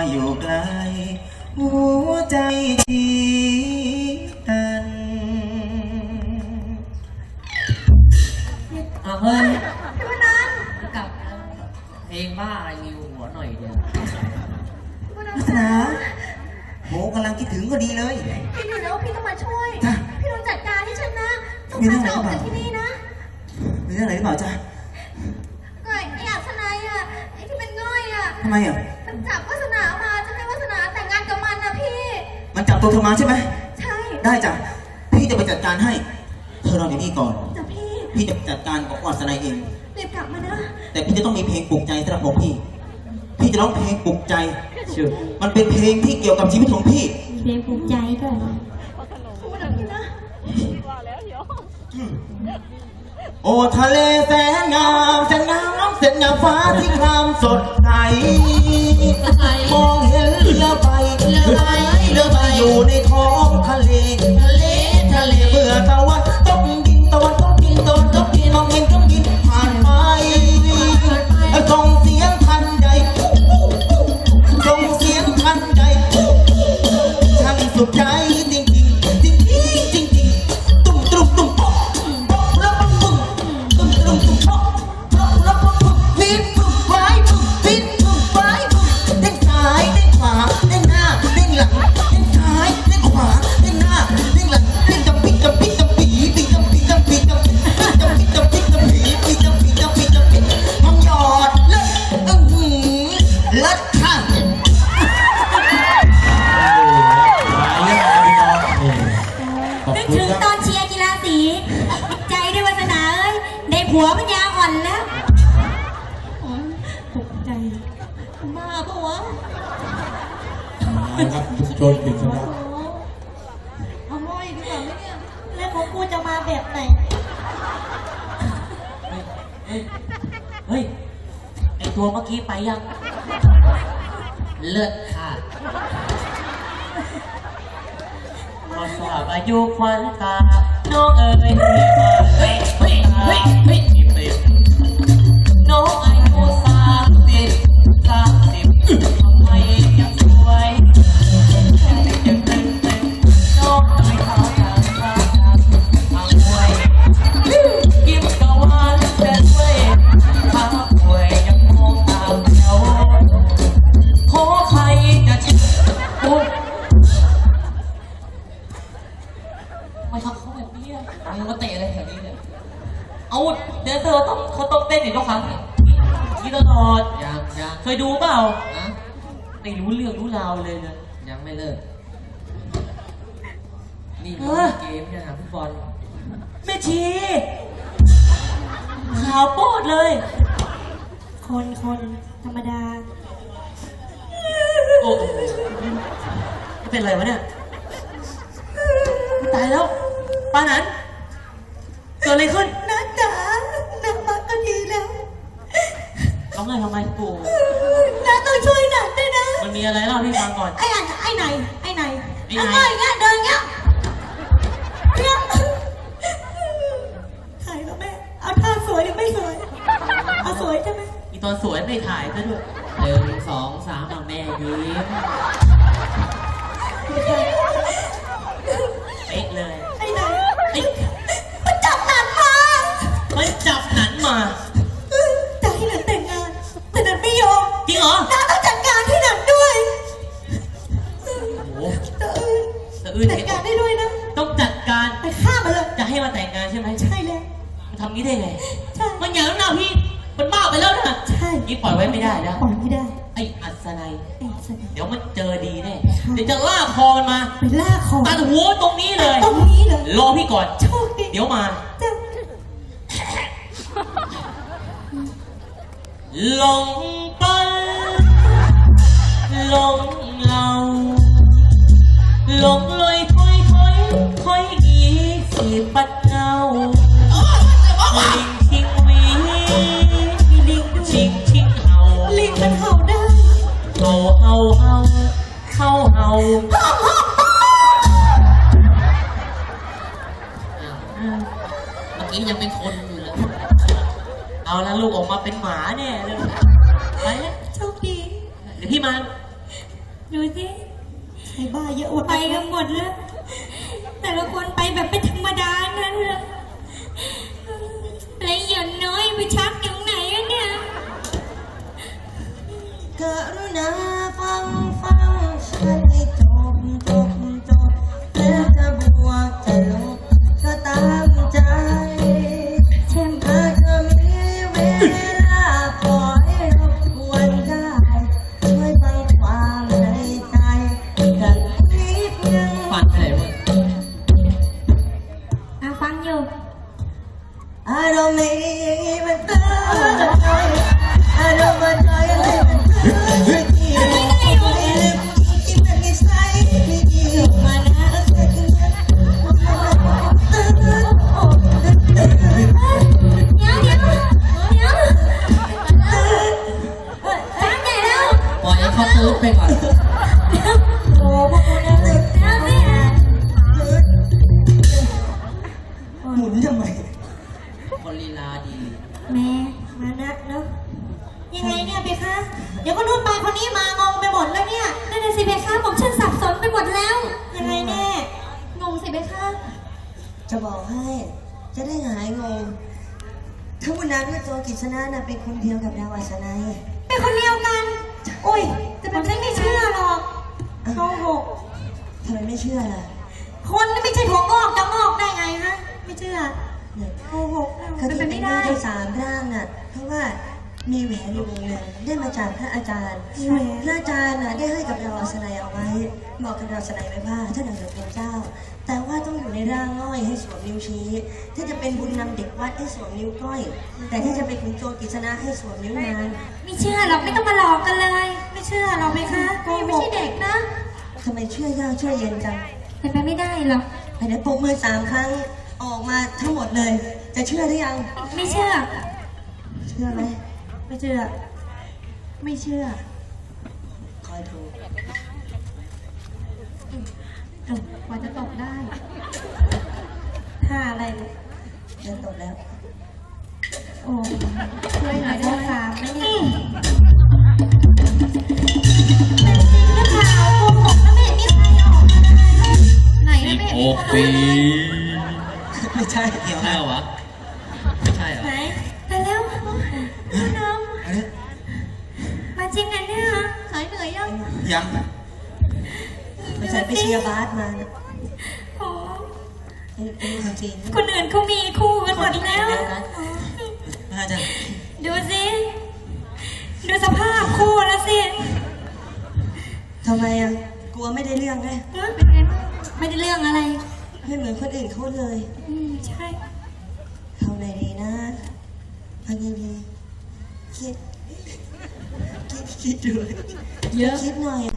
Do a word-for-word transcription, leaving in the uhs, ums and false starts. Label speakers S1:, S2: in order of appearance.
S1: อยู่ไกลหัวใจจีกัน
S2: เอาเฮ้ย
S3: พี่วันนั้น
S2: กลับเพลงบ้าอะไรมีหัวหน่อยเดียว
S1: ลักษณะโหกำลังคิดถึงก็ดีเลย
S3: พี่อยู่แล้วพี่ต้องมาช่วยพี่ต้องจัดการให้ฉันนะต้องพาฉันออกจากที่นี่นะ
S1: มีเรื่องอะไรหรือเปล่าจ๊ะ
S3: ไอ้ไอ้อัศนัยอ่ะไอ้ที่เป็นง่อยอ่ะ
S1: ทำไมอ่ะ
S3: มันจับวาสนามาจะให้วาสนาแต่งงานกับมันนะพี่
S1: มันจับตัวเธอมาใช่ไหม
S3: ใช่
S1: ได้จ้ะพี่จะไปจัดการให้เธอรออยู่นี่ก่อน
S3: แต่พี่
S1: พี่จะจัดการกับอัศนัยเอง
S3: รีบกลับมานะ
S1: แต่พี่จะต้องมีเพลงปลุกใจสำหรับผมพี่พี่จะร้องเพลงปลุกใจ
S2: ชื่อ
S1: มันเป็นเพลงที่เกี่ยวกับชีวิตของพี่
S3: เพลงปลุกใจด้วยพูดแบบนี้นะ
S1: โอ้ทะเลแสนงามแสนน้ำแสนงามฟ้าที่ครามสดใสมองเห็นเรือใบเรือใบเรือใบอยู่ในท้องทะเลทะเลทะเลเมื่อตะวันตกดินตะวันตกดินตะวันตกดินมองเห็นเครื่องบินผ่านไปส่งเสียงทันใดส่งเสียงทันใดช่างสุดใจจริงจริงจริงจริงตุ้มตุ้มตุ้มป๊อกป๊อกแล้วปังปุ้งตุ้มตุ้มตุ้มป๊อกป๊อกแล้วปังปุ้งฟิตปุ้งไว้ปุ้งฟิตปุ้งไว้ปุ้งเด้งซ้ายเด้งขวาเด้งหน้าเด้งหลังเด้งซ้ายเด้งขวาเด้งหน้าเด้งหลังเด้งจำปีจำปีจำปีปีจำปีจำปีจำปีจำปีจำปีจำปีปีจำปีจำปีจำปีมองหยอดเลิศอื้อหือเลิศค่ะ
S3: นึกถึงตอนเชียร์กีฬาสีใจด้วยวาสนาเอ้ยในผัวปัญญาอ่อนแล้วตกใจบ้าปะวะ
S1: ครับทุกชนถึงชนะ
S3: เอาม้อยดีกว่าไหมเนี่ยแล้วของกูจะมาแบบไหน
S2: เฮ้ยเฮ้ยไอตัวเมื่อกี้ไปยังเลิศค่ะพอสอบอายุควันตาน้องเอ๋ยที่มาเฮ้ยเฮ้ยเฮ้ยเฮ้ยน้องอายุสามสิบสามสิบทำไมยังสวยยังเต็มเต็มน้องไม่เข้าทางทางทางทางมวยยิ้มกะวานแต่ด้วยทางป่วยยังมองตามแถวขอใครจะชิดอุ้ยไม่ทำเขาแบบนี้อ่ะมึงมาเตะอะไรแถวนี้เนี่ยเอาเดี๋ยวเธอต้องเขาต้องเต้นอีกทุกครั้งนี่ตลอดยังยังเคยดูเปล่านะไม่รู้เรื่องรู้ราวเลยนะยังไม่เลิกนี่เกมเนี่ยหาฟุตบอลแม่ชีขาวโป๊ดเลย
S3: คนคนธรรมดา
S2: โอ้เป็นอะไรวะเนี่ยตายแล้วปานั้นเกิดอะไรขึ้น
S3: น้าจ๋าน้ามาก็ดีแล้ว
S2: ร้องไห้ทำไมกู
S3: น้าต้องช่วยหนักด้วยนะ
S2: มันมีอะไรเล่าให้ฟังก่อน
S3: ไอ้อันไอ้ไหนไอ้ไหนไอ้ไหนเงี้ยเดินเงี้ยเงี้ยถ่ายแล้วแม่เอาท่าสวยหรือไม่สวยเอาสวยใช่ไหม
S2: อีตอนสวยไม่ถ่ายซะด้วยหนึ่งสองสามเอาแม่ยิ้มเอ๊ะเลย
S3: ไอ้ไหนไอ้มันจับหนันมา
S2: มันจับหนันมา
S3: จะให้หนันแต่งงานแต่หนันไม่ยอม
S2: จริงเหรอ
S3: น้าต้องจัดการให้หนันด้วย
S2: โอ้โห
S3: แต่อื่นจัดการได้ด้วยนะ
S2: ต้องจัดการ
S3: ไปฆ่ามันเลย
S2: จะให้มาแต่งงานใช่ไหม
S3: ใช่เลย
S2: มันทำงี้ได้ไง
S3: ใช่
S2: มันอย่างนั้นนะพี่มันบ้าไปแล้วนะ
S3: ใช่
S2: นี่ปล่อยไว้ไม่ได้นะ
S3: ปล่อยไม่ได้
S2: ไอ้อัศนัยเดี๋ยวมันเจอดีแน่
S3: เดี๋
S2: ยวจะลากคอมันมา
S3: ไปลากคอ
S2: ตัดหัวตรงนี้เลย
S3: ตรงนี้เลย
S2: รอพี่ก่อน
S3: โชคดี
S2: เดี๋ยวมาลงไปลงเราลงลอยถอยถอยถอยอีสีปัดเงาลิงชิงวีลิงชิงชิงเห่า
S3: ลิงมันเห่าได้
S2: เห่าเห่าเห่าเห่าเห่าเมื่อกี้ยังเป็นคนอยู่เลยเอาแล้วลูกออกมาเป็นหมาเนี่ยเลยไปแล้ว
S3: โชคดี
S2: เดี๋ยวพี่มา
S3: ดูสิ
S4: ไอ้บ้าเยอะอวด
S3: ไปกันหมดแล้ว แต่ละคนไปแบบเป็นธรรมดานั้นเลยแล้วหย่อนน้อยไปชักอยู่ไหนอะเนี่ย
S4: กรุณาฟังฟังฉันให้จบจบจบแล้วจะบวกจะลบก็ตามใจ
S3: เช่น
S4: ถ้าเธอมีเวลาปล่อยรบกวนได้ช่วยฟังความในใจกันนิดนึง
S2: ฟันไปไหนวะ
S3: อ่ะฟังอยู่
S4: อารมณ์นี้มันเตือนใจอารมณ์มันใจเลยมันเตือนใจที่ที่มันนิสัยไม่ดีมานะเสียทีนี้
S3: เดี๋ยวเดี๋ยวเดี๋ยวฟังใหญ่แล้ว
S2: ปล่อยให้เขาตื้อไปก่อน
S4: โอ้พวกคุณน่าตื่น
S3: แล้วเนี่ย
S4: หมุนทำไม
S2: คนลีลาดี
S3: แม่
S4: มานะเนาะยังไงเนี่ยเบคะเดี๋ยวคนนู้นไปคนนี้มางงไปหมดแล้วเนี่ย
S3: นั่นน่ะสิเบค่ะผมฉันสับสนไปหมดแล้ว
S4: ยังไงแน่
S3: งงสิเบค่ะ
S4: จะบอกให้ จะได้หายงงทั้งวันนั้นว่าโจกิษณะน่ะเป็นคนเดียวกับดาวอัศนัย
S3: เป็นคนเดียวกัน
S4: อุ้ย
S3: แต่ผมฉันไม่เชื่อหรอก
S4: โกหกทำไมไม่เชื่อล่ะ
S3: คนนี่ไม่ใช่ถั่วงอกจะงอกได้ไงฮะ ไม่เชื่อ
S4: เนี่ย
S3: โกหก
S4: เขา
S3: เป็น
S4: ที่
S3: ไป
S4: เป็น
S3: ไม่
S4: ได้
S3: ได้
S4: เจ้าสามร่างน่ะ เพราะว่ามีแหวนอยู่วงหนึ่งได้มาจากพระอาจารย์พระอาจารย์น่ะได้ให้กับดาวอัศนัยเอาไว้ บอกกับดาวอัศนัยไว้ว่าถ้าดังเกิดเป็นเจ้า แต่ว่าต้องอยู่ในร่างง่อยให้สวมนิ้วชี้ ถ้าจะเป็นบุญนำเด็กวัดให้สวมนิ้วก้อย แต่ถ้าจะเป็นขุนโจรกฤษณะให้สวมนิ้วนาง
S3: ไม่เชื่อหรอกไม่ต้องมาหลอกกันเลย ไม่เชื่อหรอกไหมคะพี่ไม่ใช่เด็กนะ
S4: ทำไมเชื่อยากเชื่อเย็นจัง
S3: เป็นไปไม่ได้หรอก
S4: ไปเดี๋ยวปรบมือสามครั้งออกมาทั้งหมดเลย จะเชื่อหรือยัง
S3: ไม่เชื่อ
S4: เชื่อไหม
S3: ไม่เชื่อ ไม่เชื่อ
S4: คอยดู
S3: เออกว่าจะตกได้
S4: ท่าอะไรเนี่ยเดินตกแล้ว
S3: โอ้ช่วยหน่อยได้ค่ะไม่เนี่ยเป็นจริงหรือเปล่าโกหกนะไม่เห็นมีใครเอาออกมาเลยไหนนะไม่เห็นมีคนเอามาเลย
S4: ไม่ใช่เกี่ยว
S2: ใช่
S4: นะ
S2: เหรอวะ ไม่ใช่เหรอ
S3: ไหนไปแล้วน้องมาจริงนะเนี่ยหายเหนื่อยยัง
S1: ยัง
S4: ไม่ใช่ไปเชียร์บาสมานะ
S3: โอ้
S4: เป็นเป็นคนจริง
S3: คนอื่นเขามีคู่กันหมดแล้ว
S1: น่าจะ
S3: ดูสิ ดูสภาพคู่แล้วสิ
S4: ทำไมอ่ะ กลัวไม่ได้เรื่องไง
S3: เป็นไงบ้างไม่ได้เรื่องอะไร
S4: ไม่เหมือนคนอื่นเขาเลย
S3: อืมใช่
S4: ทำไงดีนะเอาไงดีคิด คิดคิดดู
S3: เยอะ
S4: คิดหน่อย